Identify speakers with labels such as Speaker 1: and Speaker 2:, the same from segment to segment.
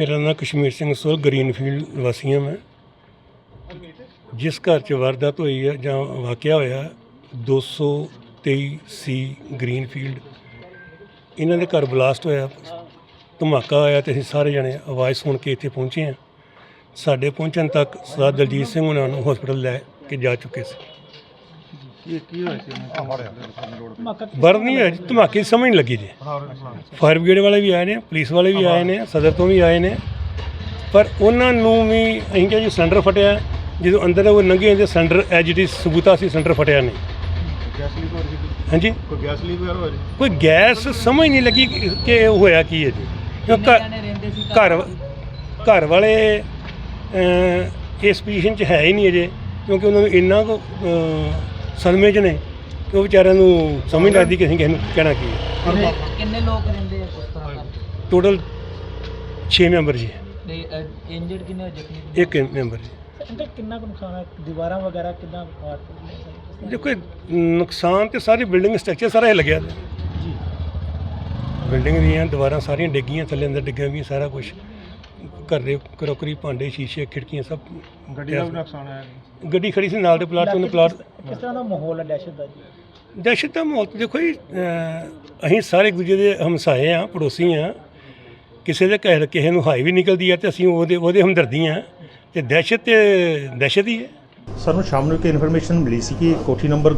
Speaker 1: मेरा नाम Kashmir Singh soul greenfield वासी हाँ मैं। जिस घर च वारदात हुई है जां वाकया होया 223C ग्रीनफील्ड इन्हां दे घर ब्लास्ट होया, धमाका होया तो असीं सारे जने आवाज़ सुन के इत्थे पहुँचे हैं। साडे पहुँचण तक सरदार दलजीत सिंह उन्हां नूं हॉस्पिटल लै के जा चुके सी। बर नहीं है धमाके की समझ नहीं लगी जी। फायर ब्रिगेड वाले भी आए हैं, पुलिस वाले भी आए हैं, सदर तो भी आए हैं, पर उन्होंने भी अं क्या जी सिलेंडर फटिया जो अंदर वो लंघे तो सिलेंडर एज इट इज सबूता से सिलेंडर फटिया नहीं। हाँ जी कोई गैस समझ नहीं लगी कि होया की है जी। घर वाले इस पोजीशन च है ही नहीं अजे, क्योंकि उन्होंने इन्ना को सदमे च ने कि वो बेचारिਆਂ ਨੂੰ समझ नहीं लगती कि ਅਸੀਂ ਕਿਸੇ ਨੂੰ ਕਹਿਣਾ ਕੀ ਹੈ।
Speaker 2: ਕਿੰਨੇ ਲੋਕ ਰਹਿੰਦੇ ਆ ਉਸ ਤਰ੍ਹਾਂ?
Speaker 1: टोटल 6 ਮੈਂਬਰ ਜੀ।
Speaker 2: ਤੇ ਇੰਜਰਡ ਕਿੰਨੇ ਜ਼ਖਮੀ?
Speaker 1: 1 ਮੈਂਬਰ ਜੀ।
Speaker 3: ਅੰਕਲ ਕਿੰਨਾ ਕੁ ਨੁਕਸਾਨ ਹੈ? ਦੀਵਾਰਾਂ ਵਗੈਰਾ ਕਿੰਨਾ
Speaker 1: देखो नुकसान तो सारी बिल्डिंग स्ट्रक्चर सारा हिल गया
Speaker 3: जी।
Speaker 1: बिल्डिंग दी दीवारां सारियां डिग्गियां, थल्ले अंदर डिग्गियां भी सारा कुछ, घर दे क्रॉकरी भांडे शीशे खिड़कियां सब।
Speaker 3: ਗੱਡੀ ਦਾ ਨੁਕਸਾਨ ਹੈ?
Speaker 1: गड्डी खड़ी सी नाल दे प्लाट तो प्लाट।
Speaker 3: किस तरह का माहौल है दहशत का जी?
Speaker 1: दहशत का माहौल देखो जी, असीं सारे एक दूजे के हमसाए हाँ, पड़ोसी हाँ। किसी के घर किसी नूं हाई भी निकलती है तो असीं ਉਹਦੇ हमदर्दी हाँ, तो दहशत ही है।
Speaker 4: ਸਾਨੂੰ ਸ਼ਾਮ ਨੂੰ ਇੱਕ ਇਨਫੋਰਮੇਸ਼ਨ ਮਿਲੀ ਸੀ ਕਿ ਕੋਠੀ ਨੰਬਰ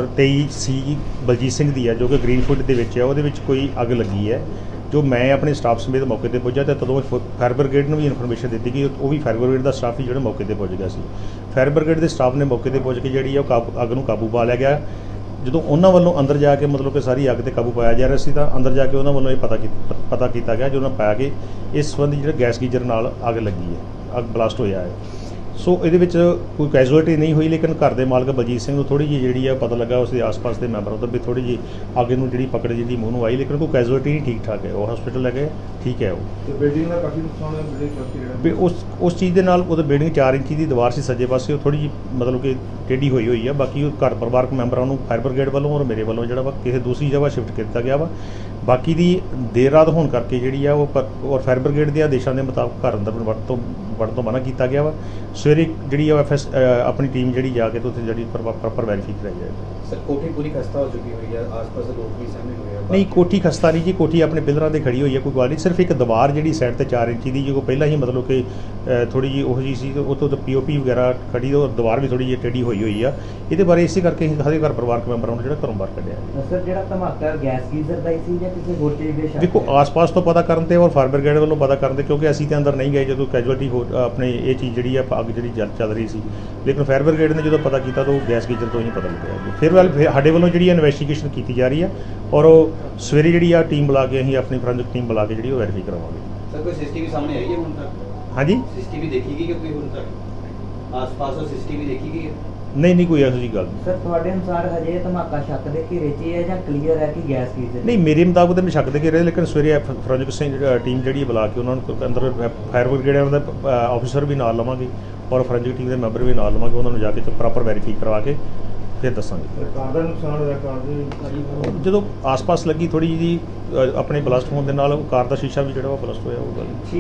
Speaker 4: 223C ਬਲਜੀਤ ਸਿੰਘ ਦੀ ਹੈ ਜੋ ਕਿ ਗ੍ਰੀਨਫੀਲਡ ਦੇ ਵਿੱਚ ਹੈ, ਉਹਦੇ ਵਿੱਚ ਕੋਈ ਅੱਗ ਲੱਗੀ ਹੈ। ਜੋ ਮੈਂ ਆਪਣੇ ਸਟਾਫ ਸਮੇਤ ਮੌਕੇ ਤੇ ਪਹੁੰਚਿਆ ਤੇ ਤਦੋਂ ਫਾਇਰ ਬ੍ਰਿਗੇਡ ਨੂੰ ਵੀ ਇਨਫੋਰਮੇਸ਼ਨ ਦਿੱਤੀ ਕਿ ਉਹ ਵੀ ਫਾਇਰ ਬ੍ਰਿਗੇਡ ਦਾ ਸਟਾਫ ਹੀ ਜਿਹੜਾ ਮੌਕੇ ਤੇ ਪਹੁੰਚ ਗਿਆ ਸੀ। ਫਾਇਰ ਬ੍ਰਿਗੇਡ ਦੇ ਸਟਾਫ ਨੇ ਮੌਕੇ ਤੇ ਪਹੁੰਚ ਕੇ ਜਿਹੜੀ ਹੈ ਉਹ ਅੱਗ ਨੂੰ ਕਾਬੂ ਪਾ ਲਿਆ ਗਿਆ। ਜਦੋਂ ਉਹਨਾਂ ਵੱਲੋਂ ਅੰਦਰ ਜਾ ਕੇ ਮਤਲਬ ਕਿ ਸਾਰੀ ਅੱਗ ਤੇ ਕਾਬੂ ਪਾਇਆ ਜਾ ਰਿਹਾ ਸੀ ਤਾਂ ਅੰਦਰ ਜਾ ਕੇ ਉਹਨਾਂ ਵੱਲੋਂ ਇਹ ਪਤਾ ਕੀਤਾ ਗਿਆ, ਜੋ ਉਹਨਾਂ ਪਾਇਆ ਕਿ ਇਸ ਸੰਬੰਧੀ ਜਿਹੜਾ ਗੈਸ ਗੀਜ਼ਰ ਨਾਲ ਅੱਗ ਲੱਗੀ ਹੈ, ਅੱਗ ਬਲਾਸਟ ਹੋਇਆ ਹੈ। ਸੋ ਇਹਦੇ ਵਿੱਚ ਕੋਈ ਕੈਜੂਅਲਟੀ ਨਹੀਂ ਹੋਈ, ਲੇਕਿਨ ਘਰ ਦੇ ਮਾਲਕ ਬਲਜੀਤ ਸਿੰਘ ਨੂੰ ਥੋੜ੍ਹੀ ਜਿਹੀ ਜਿਹੜੀ ਆ ਪਤਾ ਲੱਗਾ, ਉਸਦੇ ਆਸ-ਪਾਸ ਦੇ ਮੈਂਬਰਾਂ ਤੋਂ ਵੀ ਥੋੜ੍ਹੀ ਜਿਹੀ ਅੱਗ ਨੂੰ ਜਿਹੜੀ ਪਕੜ ਜਿਹੜੀ ਮੂੰਹ ਨੂੰ ਆਈ, ਲੇਕਿਨ ਕੋਈ ਕੈਜੂਅਲਟੀ ਨਹੀਂ, ਠੀਕ ਠਾਕ ਹੈ, ਉਹ ਹਸਪੀਟਲ ਲੈ ਗਏ, ਠੀਕ ਹੈ ਉਹ।
Speaker 5: ਬਿਲਡਿੰਗ ਦਾ ਕਾਫੀ ਨੁਕਸਾਨ ਹੈ, ਬਿਲਡਿੰਗ
Speaker 4: ਵੀ ਉਸ ਚੀਜ਼ ਦੇ ਨਾਲ ਉਹਦੇ ਬਿਲਡਿੰਗ 4 ਇੰਚੀ ਦੀ ਦੀਵਾਰ ਸੀ ਸੱਜੇ ਪਾਸੇ, ਉਹ ਥੋੜ੍ਹੀ ਜਿਹੀ ਮਤਲਬ ਕਿ ਟੇਢੀ ਹੋਈ ਆ। ਬਾਕੀ ਉਹ ਘਰ ਪਰਿਵਾਰਕ ਮੈਂਬਰਾਂ ਨੂੰ ਫਾਇਰ ਬ੍ਰਿਗੇਡ ਵੱਲੋਂ ਔਰ ਮੇਰੇ ਵੱਲੋਂ ਜਿਹੜਾ ਵਾ ਕਿਸੇ ਦੂਸਰੀ ਜਗ੍ਹਾ ਸ਼ਿਫਟ ਕੀਤਾ ਗਿਆ ਵਾ। ਬਾਕੀ ਦੀ ਦੇਰ ਰਾਤ ਹੋਣ ਕਰਕੇ ਜਿਹੜੀ ਆ ਉਹ ਔਰ ਫਾਇਰ ਬ੍ਰਿਗੇਡ ਦੇ ਆਦੇਸ਼ਾਂ ਦੇ ਮੁਤਾਬਕ ਘਰ ਅੰਦਰ ਵੜਨ ਤੋਂ ਮਨਾ ਕੀਤਾ ਗਿਆ ਵਾ। ਸਵੇਰੇ ਜਿਹੜੀ ਆ ਆਪਣੀ ਟੀਮ ਜਿਹੜੀ ਜਾ ਕੇ ਤੇ ਉੱਥੇ ਜਿਹੜੀ ਪ੍ਰੋਪਰ ਵੈਰੀਫਾਈ ਕਰਾਈ ਜਾਏਗੀ।
Speaker 5: ਸਰ ਕੋਠੀ ਪੂਰੀ ਖਸਤਾ ਹੋ ਚੁੱਕੀ ਹੋਈ ਹੈ, ਆਸ-ਪਾਸ ਦੇ ਲੋਕ ਵੀ ਸਾਹਮਣੇ ਹੋਏ ਆ।
Speaker 4: ਨਹੀਂ ਕੋਠੀ ਖਸਤਾ ਨਹੀਂ ਜੀ, ਕੋਠੀ ਆਪਣੇ ਪਿਲਰਾਂ 'ਤੇ ਖੜੀ ਹੋਈ ਹੈ, ਕੋਈ ਗੱਲ ਨਹੀਂ। ਸਿਰਫ ਇੱਕ ਦੀਵਾਰ ਜਿਹੜੀ ਸਾਈਡ 'ਤੇ 4 ਇੰਚੀ ਦੀ, ਜੋ ਪਹਿਲਾਂ ਹੀ ਮਤਲਬ ਕਿ ਥੋੜ੍ਹੀ ਜਿਹੀ ਉਹ ਜਿਹੀ ਸੀ, ਉਹ ਤੋਂ POP ਵਗੈਰਾ ਖੜੀ, ਔਰ ਦੀਵਾਰ ਵੀ ਥੋੜ੍ਹੀ ਜਿਹੀ ਟੇਢੀ ਹੋਈ ਆ। ਇਹਦੇ ਬਾਰੇ ਇਸੇ ਕਰਕੇ ਅਸੀਂ ਸਾਰੇ ਘਰ ਪਰਿਵਾਰਕ ਮੈਂਬਰਾਂ ਨੂੰ ਜਿਹੜਾ ਘਰੋਂ ਬਾਹਰ ਕੱਢਿਆ।
Speaker 2: ਸਰ ਜਿਹੜਾ ਧਮਾਕਾ ਗੈਸ ਗੀਜ਼ਰ ਦਾ ਹੀ ਸੀ ਜਾਂ ਕਿਸੇ ਹੋਰ ਚੀਜ਼ ਦੇ?
Speaker 4: ਦੇਖੋ ਆਸ-ਪਾਸ ਤੋਂ ਪਤਾ ਕਰਨ ਤੇ ਔਰ ਫਾਇਰ ਬ੍ਰਿਗੇਡ ਵੱਲੋਂ ਪਤਾ ਕਰਨ ਤੇ, ਕਿਉਂਕਿ ਅਸੀਂ ਤੇ ਅੰਦਰ ਨਹੀਂ ਗਏ ਜਦੋਂ ਕੈਜੂਅਲਟੀ ਆਪਣੇ ਇਹ ਚੀਜ਼ ਜਿਹੜੀ ਆ ਅੱਗ ਜਿਹੜੀ ਚੱਲ ਰਹੀ ਸੀ, ਲੇਕਿਨ ਫਾਇਰ ਬ੍ਰਿਗੇਡ ਨੇ ਜਦੋਂ ਪਤਾ ਕੀਤਾ ਤਾਂ ਉਹ ਗੈਸ ਗੀਜ਼ਰ ਤੋਂ ਹੀ ਪਤਾ ਲੱਗਿਆ। ਫਿਰ ਸਾਡੇ ਵੱਲੋਂ ਜਿਹੜੀ ਇਨਵੈਸਟੀਗੇਸ਼ਨ ਕੀਤੀ ਜਾ ਰਹੀ ਹੈ ਔਰ ਉਹ ਸਵੇਰੇ ਜਿਹੜੀ ਆ ਟੀਮ ਬੁਲਾ ਕੇ ਅਸੀਂ ਆਪਣੀ ਫੋਰੈਂਸਿਕ ਟੀਮ ਬੁਲਾ ਕੇ ਜਿਹੜੀ ਉਹ ਵੈਰੀਫਾਈ ਕਰਵਾਵਾਂਗੇ।
Speaker 5: ਸਰ ਕੋਈ CCTV ਸਾਹਮਣੇ ਆਈ ਹੈ ਹੁਣ ਤੱਕ?
Speaker 4: ਹਾਂਜੀ
Speaker 5: CCTV ਦੇਖੀ ਗਈ ਕਿ ਕੋਈ ਹੁਣ ਤੱਕ ਆਸ-ਪਾਸ ਉਹ CCTV ਦੇਖੀ ਗਈ ਹੈ?
Speaker 4: ਨਹੀਂ ਕੋਈ ਇਹੋ ਜਿਹੀ ਗੱਲ ਨਹੀਂ।
Speaker 2: ਸਰ ਤੁਹਾਡੇ ਅਨੁਸਾਰ ਹਜੇ ਧਮਾਕਾ ਸ਼ੱਕ ਦੇ ਘੇਰੇ 'ਚ ਹੀ ਹੈ ਜਾਂ ਕਲੀਅਰ ਹੈ ਕਿ ਗੈਸ ਗੀਜ਼ਰ?
Speaker 4: ਨਹੀਂ ਮੇਰੇ ਮੁਤਾਬਕ ਤਾਂ ਮੈਂ ਸ਼ੱਕ ਦੇ ਕੇ ਰਹੇ, ਲੇਕਿਨ ਸਵੇਰੇ ਫੋਰੈਂਸਿਕ ਟੀਮ ਜਿਹੜੀ ਬੁਲਾ ਕੇ ਉਹਨਾਂ ਨੂੰ ਅੰਦਰ ਫਾਇਰ ਬ੍ਰਿਗੇਡ ਦਾ ਆਫੀਸਰ ਵੀ ਨਾਲ ਲਵਾਂਗੇ ਔਰ ਫੋਰੈਂਸਿਕ ਟੀਮ ਦੇ ਮੈਂਬਰ ਵੀ ਨਾਲ ਲਵਾਂਗੇ, ਉਹਨਾਂ ਨੂੰ ਜਾ ਕੇ ਪ੍ਰੋਪਰ ਵੈਰੀਫਾਈ ਕਰਵਾ ਕੇ ਫਿਰ ਦੱਸਾਂਗੇ।
Speaker 5: ਕਾਰ ਦਾ ਨੁਕਸਾਨ ਹੋਇਆ, ਕਾਰ ਦੇ
Speaker 4: ਜਦੋਂ ਆਸ-ਪਾਸ ਲੱਗੀ ਥੋੜ੍ਹੀ ਜਿਹੀ ਆਪਣੇ ਬਲਾਸਟ ਹੋਣ ਦੇ ਨਾਲ ਕਾਰ ਦਾ ਸ਼ੀਸ਼ਾ ਵੀ ਜਿਹੜਾ ਉਹ ਬਲਾਸਟ ਹੋਇਆ ਉਹ ਗੱਲ।